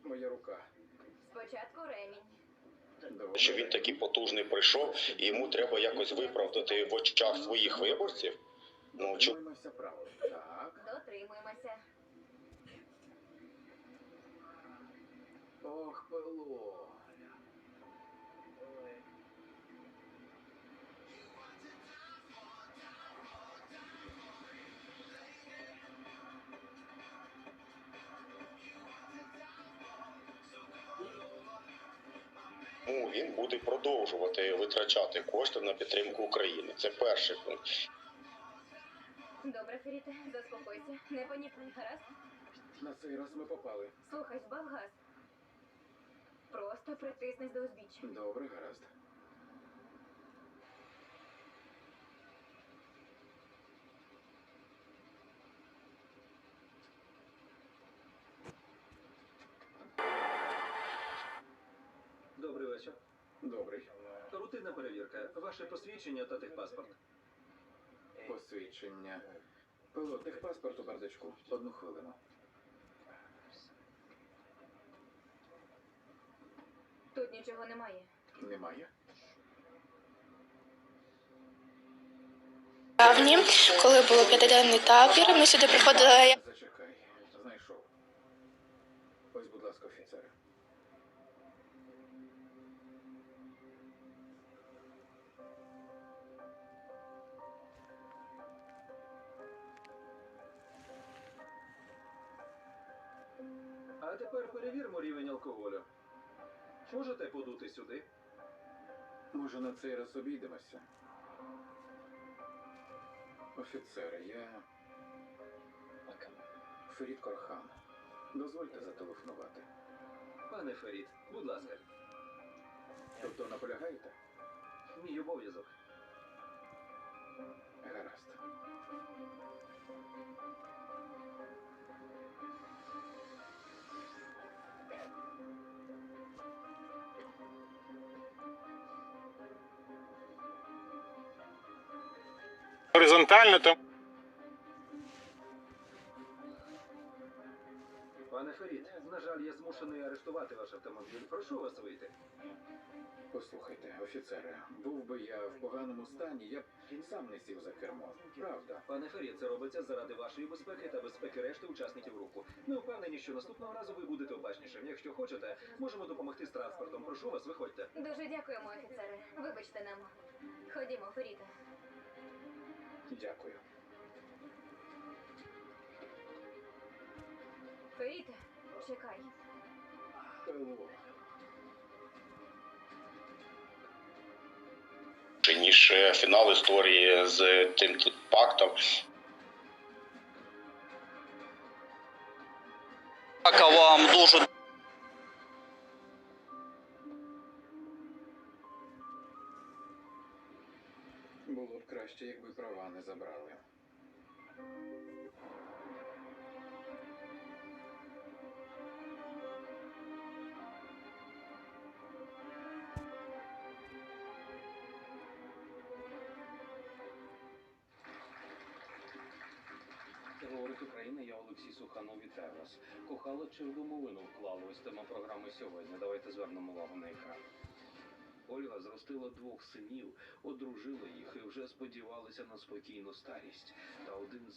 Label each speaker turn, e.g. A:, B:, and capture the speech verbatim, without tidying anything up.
A: Моя рука.
B: Спочатку ремінь.
A: Доволі.
C: Що він такий потужний прийшов, і йому треба якось виправдати в очах своїх виборців. Ну, чу...
A: Дотримуємося правил. Так.
B: Дотримуємося.
A: Ох, Пело.
C: Ну, він буде продовжувати витрачати кошти на підтримку України. Це перший пункт.
B: Добре, Феріте, заспокойся. Не панікуй, гаразд?
A: На цей раз ми попали.
B: Слухай, збав газ. Просто притиснись до узбіччя.
A: Добре, гаразд.
D: Добрий вечір.
A: Добрий.
D: Рутинна перевірка. Ваше посвідчення та техпаспорт.
A: Посвідчення. Пело, техпаспорт у бардачку. Одну хвилину.
B: Тут нічого немає.
A: Немає?
E: Травні, коли було п'ятиденний табір, ми сюди приходили.
A: Зачекай. Знайшов. Ось, будь ласка, офіцери.
D: А тепер перевіримо рівень алкоголю. Можете подути сюди?
A: Може, на цей раз обійдемося? Офіцери, я... Ферід Корхан. Дозвольте зателефонувати.
D: Пане Ферід, будь ласка.
A: Тобто наполягаєте?
D: Мій обов'язок.
A: Гаразд.
F: Горизонтально там.
D: Пане Ферід, на жаль, я змушений арештувати ваш автомобіль. Прошу вас вийти.
A: Послухайте, офіцери, був би я в поганому стані, я б сам не сів за кермо. Правда.
D: Пане Ферід, це робиться заради вашої безпеки та безпеки решти учасників руху. Ми впевнені, що наступного разу ви будете обачнішим. Якщо хочете, можемо допомогти з транспортом. Прошу вас, виходьте.
B: Дуже дякуємо, офіцери. Вибачте нам. Ходімо, Феріте.
A: Дякую.
B: Феріте, чекай.
A: Пело.
C: Ніж фінал історії з тим пактом.
G: Дяка вам дуже.
A: Було б краще, якби права не забрали.
H: Говорить Україна, я Олексій Суханов, вітаю вас. Кохали чи в домовину вклали? Ось тема програми сьогодні. Давайте звернемо увагу на екран. Ольга зростила двох синів, одружила їх і вже сподівалася на спокійну старість. Та один з